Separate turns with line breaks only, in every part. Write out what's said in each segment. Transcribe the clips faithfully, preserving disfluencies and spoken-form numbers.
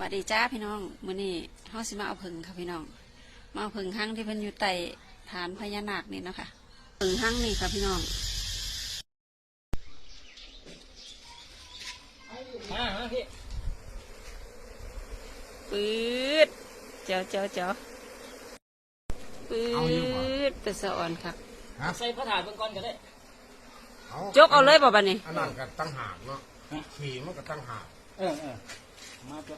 วัสดีจ้าพี่น้องมื้อนี้เฮาสิมาเอาผึ่งค่ะพี่น้องมาเอาผึ่งหั่งที่เพิ่นอยู่ใต้ฐานพญานาคนี่นะคะผึ่งหั่งนี่ค่ะพี่น้อง
มามาพี่
ปื๊ดเจ้าเจ้าเจ้าปื๊ดเป็นสะอ่อนครับ
ใส่พระถาดเบื้องก้อนก็ได้
จกเอาเลยบ่บัดนี้
อันนั้นก็ตั้งหากเนาะขี่มันก็ตั้งหาก
เออเออมาจ้ะ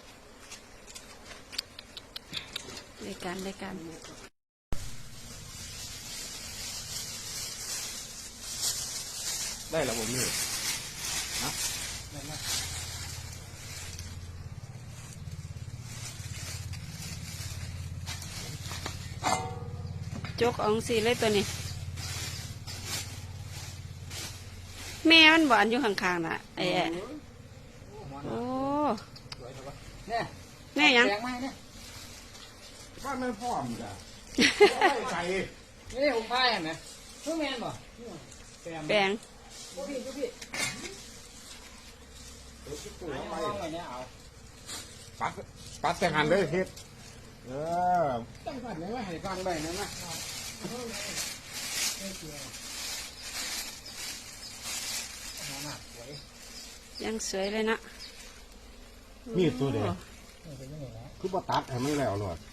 ได้กันได้กัน
ได้แล้วผมนี่นะ
จกเอาสิเลยตัวนี้แม่มันบ่อันอยู่ข้างๆน่ะไอ้โอ้
เนี่ย
แม่ยัง
บ้านไม่พร้อมจ้ะใส่
ไม่ได้ผมพายเห็นไหมเพื่อแมนบ่
แปลง
พี่พี่พี่
ปัดปัดแต่หันเลยเฮ็ดเออ
ตั้งกันไหนวะให้ฟังได้นะนะ
ยังสวยเลยนะ
มีตัวเดียวคือบ่ตัดให้มันแล้วหรอก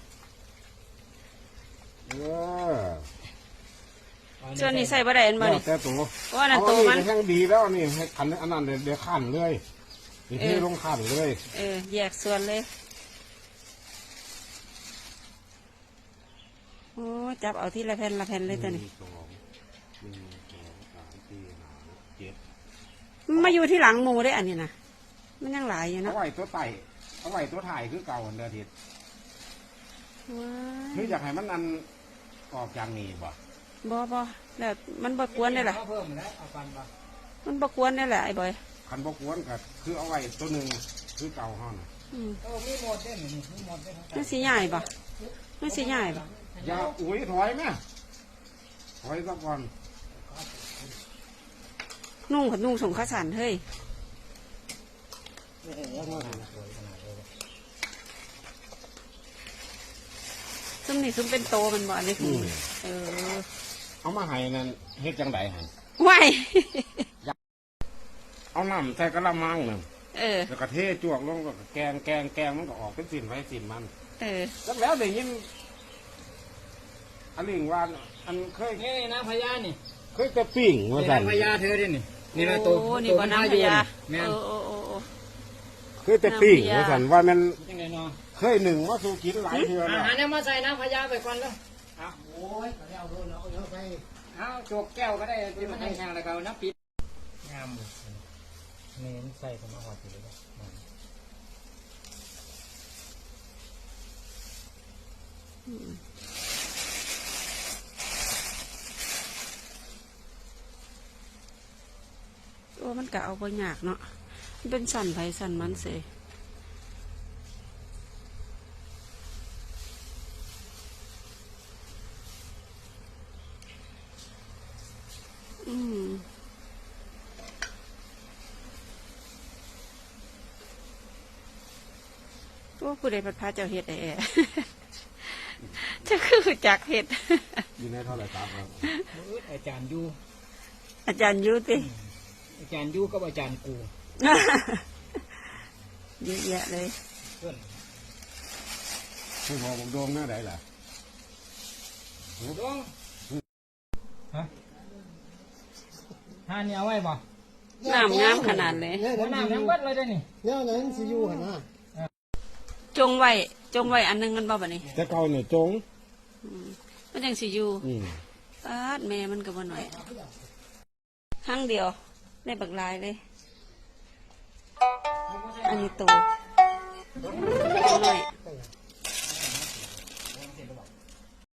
เออ
ส่วนนี้ใส่บะได้เอ็นบ่นี่
แต่ตัว
ว่านั่นตัวมัน
แห้งดีแล้วนี่ให้ขันอันนั้นเดี๋ยวขันเลยนี่ที่ลงขันเลย
เออแยกส่วนเลยโอ้จับเอาที่ละแผ่นละแผ่นเลยตัวนี้มาอยู่ที่หลังหมูได้อันนี้นะมันยังหลายอยู่นะ
เอาไว้ตัวไต่เอาไว้ตัวถ่ายคือเก่าอันเดียทิศคืออยากให้มันนันออกจากนี้บ่
บ่บ่แล้วมันบ่กวนได้หรอมันบ่กวนได้แหละไอ้บอย
คันบ่กวนก็คือเอาไว้ตัวหนึ่งคือเก่าห้อง
อืมเออมีหมดได้หนิมีหมดได้
มันสีใหญ่บ่มันสีใหญ่บ่
อย่าอุ้ยถอยไหมถอยสักก่อน
นุ่งผัดนุ่งส่งข้าวสารเฮ้ยซุ้มนี่ซุ้มเป็นโตมันบ่อันนี้คือเออ
เอามาให้นั่นเฮ็ดจังไดหัน
ไหว
เอาน้ำใส่กระมังนึง
เออ
แล้วก็เทจวกลงก็แกงแกงแกงมันก็ออกเป็นสินไว้สินมัน
เออ
แล้วแล้วเดี๋ยวยินอันนี้ว่าอันเคย
นี่น้ำพญานี่
เคยจะปิ้งว่าสั่น
น้ำพญาเธอดินี่นี่นะตัว
นี่ก็น้ำพญา
โอ้
โอ้โอ้โอ้
เคยจะปิ้งว่าสั่นว่ามัน
ยังไงเนาะ
เคยหนึ่งว่าสู้กินหลายเทื่อ
แล้วอาหารเนี่ยมาใส่น้ำพญาไปก่อนแล้วอ่ะโอ้ยเอาโดนเอาเยอะไปเอาโจกแก้วก็ได้ที่มันให้แห้งแล้วก็น้ำปิดงามเน้นใส่ผมเอาหอดอยู่เลย
โอ้มันกะเอาไปหยากเนาะมันเป็นสันไผสันมันเสยอืมว่าผู้ใดพัดพาเจ้าเห็ดแอจะคือจักเห็ด
อยู่ในเท่าไหร่ครับ
อาจารย์ยู
อาจารย์ยูติ
อาจารย์ยูกับอาจารย์กู
เยอะแยะเลย
คุณหมอผมโดงหน้าไหนล่ะ
โดงฮะท่านี่เอาไว้บ่
น้ำงามขนาดเลย
น้ำทั้งวัดเลยได้นี่
เนี่ยนั้นสิยูหันนะ
จงไว้จงไว้อันนึงกันบ่บ่นี่
แต่เก่าเนี่ยจง
มันยังสิยูปาดแม่มันก็บ่หน่อยหั่งเดียวได้บักลายเลยอันนี้โตหน่อย